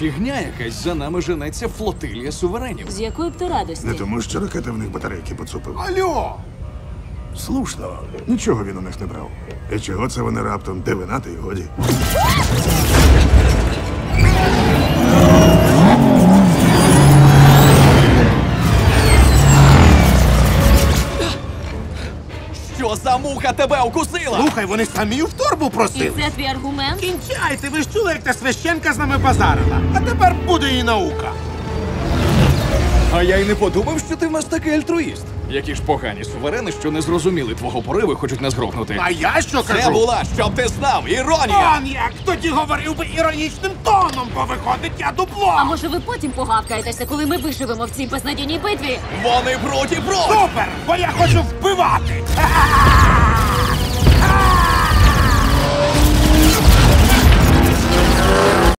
фігня якась, за нами женеться флотилія суверенів. З якої б ти радості? Не тому, що ракети в них батарейки поцупив. Алло! Слушно, нічого він у них не брав. І чого це вони раптом дивинати й годі? Що за муха тебе укусила? Слухай, вони самі в торбу І просили. це твій аргумент? Кінчайте, ви ж чули, як та священка з нами базарила. А тепер буде і наука. А я й не подумав, що ти в нас такий альтруїст. Які ж погані суверени, що не зрозуміли твого пориву і хочуть нас грохнути. А я що Це кажу? була, щоб ти знав, іронія! Он як! Тоді говорив би іронічним тоном, бо виходить я дупло. А може ви потім погавкаєтеся, коли ми виживемо в цій безнадійній битві? Вони проти! Супер! Бо я хочу вбивати! Ха-ха-ха!